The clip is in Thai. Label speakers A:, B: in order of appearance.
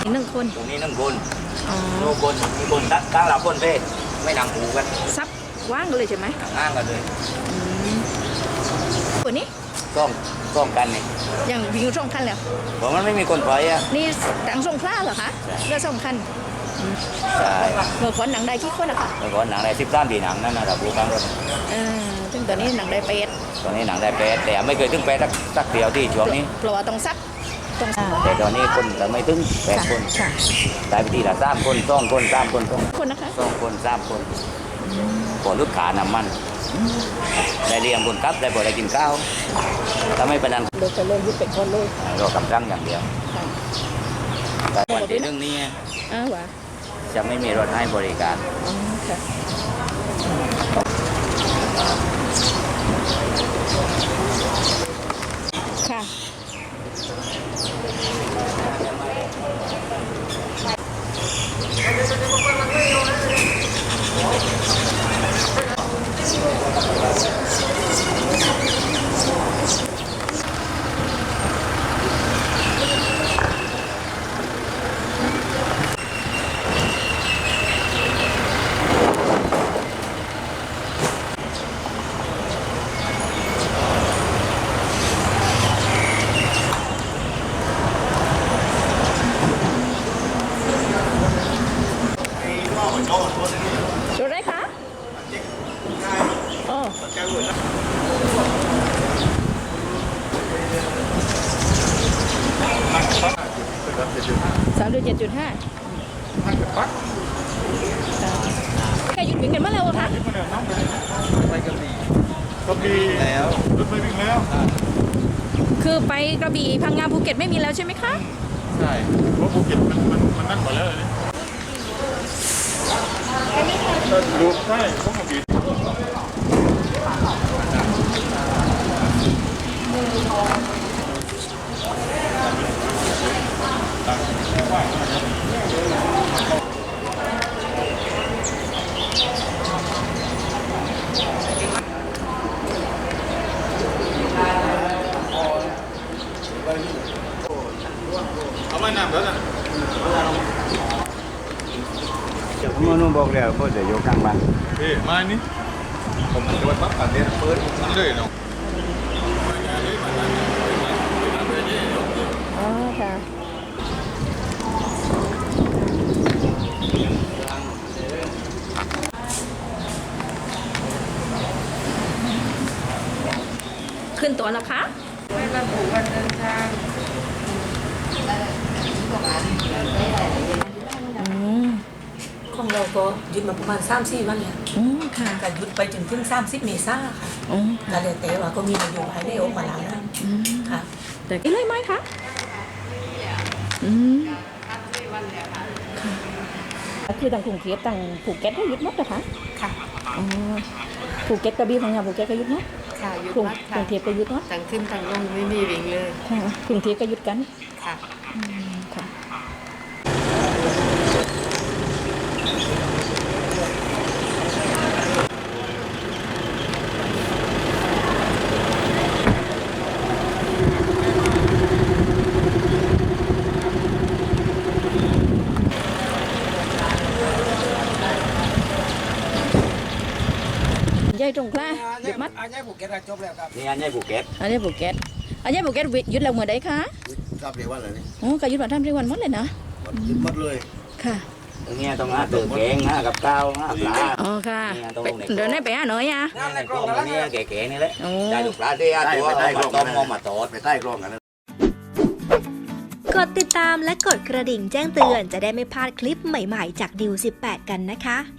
A: 1 คน
B: ตรงนี้1 คนโน่คนมีคนตั้งหลับคนเพ่ไม่นั่งหูกัน
A: ซับว่างกันเลยใช่ไหม
B: นั่งกันเลย
A: คนนี้
B: ต้องกันนี่
A: อย่างวิ่ง2 คันแล้ว
B: ผมมันไม่มีคนปล่อยอ่ะ
A: นี่ต่างสงขลาเหรอคะเรือ2 คัน
B: ใช่
A: เมื่อก่อนหนังได้กี่คนอะคะ
B: เมื่อก่อนหนังได้13 ปีหนังนั่นนะเราพูดกันก็
A: ซึ่งตอนนี้หนังได้
B: ตอนนี้หนังได้8แต่ไม่เคยถึง8สักเดียวที่ช่วงนี้
A: เพราะว่าต้องซัก
B: แต่ตอนนี้คนเราไม่ถึง8 คนได้ไปทีละ3 คน2 คน3 คน
A: คนนะคะ
B: 2 คน3 คนพอลูกขานำมันได้เลี้ยงคนครับได้พอได้กินข้าวถ้าไม่เป็นนั้น
A: เดี๋ยวจะเริ่มยึดเป็นคนเลย
B: รอกำลังอย่างเดียวแต่วันที่1นี้จะไม่มีรถให้บริการ
A: ค่ะดูได้คะอ๋อ37.5แกหยุดวิ่งกันเมื่อไหร่วะคะ
C: ไปกระบี่แล้วรถไม่วิ่งแล้ว
A: คือไปกระบี่พังงาภูเก็ตไม่มีแล้วใช่ไหมคะ
C: ใช่เพราะภูเก็ตมันนั่งก่อนแล้วนี่ดูใช่พวกกระบี่เอาไม่นำแล้วนะ
B: ผมนุ่มบอกแล้วก็จะอยู่กลางบ้าน
C: มานี่ผมจะไปปั๊บกันเดี๋ยวเปิดมันเลยเนาะ
A: อ๋อค่ะขึ้นตัวแล้วคะ
D: ไม่ระบุวันเดินทาง
E: ของเราก็หยุดมาประมาณ3-4 วันแล้ว
A: ค่ะ
E: ก็หยุดไปถึง30 เมษายนค่ะก็เลยแต่ว่าก็มีนโยบายได้ออกมาแล้วนะค่ะ
A: แต่กินเลยไหมคะค่ะคือต่างกรุงเทพต่างภูเก็ตก็หยุดหมดเหรอคะ
D: ค่ะ
A: ภูเก็ตกระบี่พังงาภูเก็ตก็หยุดหมด
D: ค่ะหยุดหมดค่ะ
A: กรุงเทพก็หยุดหมด
D: ต่างขึ้นต่างลงไม่มีวิ่งเลย
A: ค่ะกรุงเทพก็หยุดกัน
D: ค่ะ
A: ค่ะยายตรงกล้าหยุดมัด
F: อันนี้ภูเก็ตจบแล้วครับ
B: นี่อันนี้ภูเก็ต
A: ภูเก็ตหยุดแล้วเมื่อใดคะ
F: รับเรียกว่าอะไรนี่
A: โอ้ก็หยุดมา3-4 วันหมดเลยนะ
F: หยุดหมดเลย
A: ค่ะ
B: ตรงนี้ต้องหาตื่นแกงหากับข้าวหาปลา
A: อ๋อค่ะเดินได้ไปหาหน่อยอ่ะ
B: ในกล้องนี้แก่ๆนี่แหละได้ลูกปลาที่ตัวมาต้มมาตอด
F: ไปใต้กล้องกัน
G: กดติดตามและกดกระดิ่งแจ้งเตือนจะได้ไม่พลาดคลิปใหม่ๆจากดิว18กันนะคะ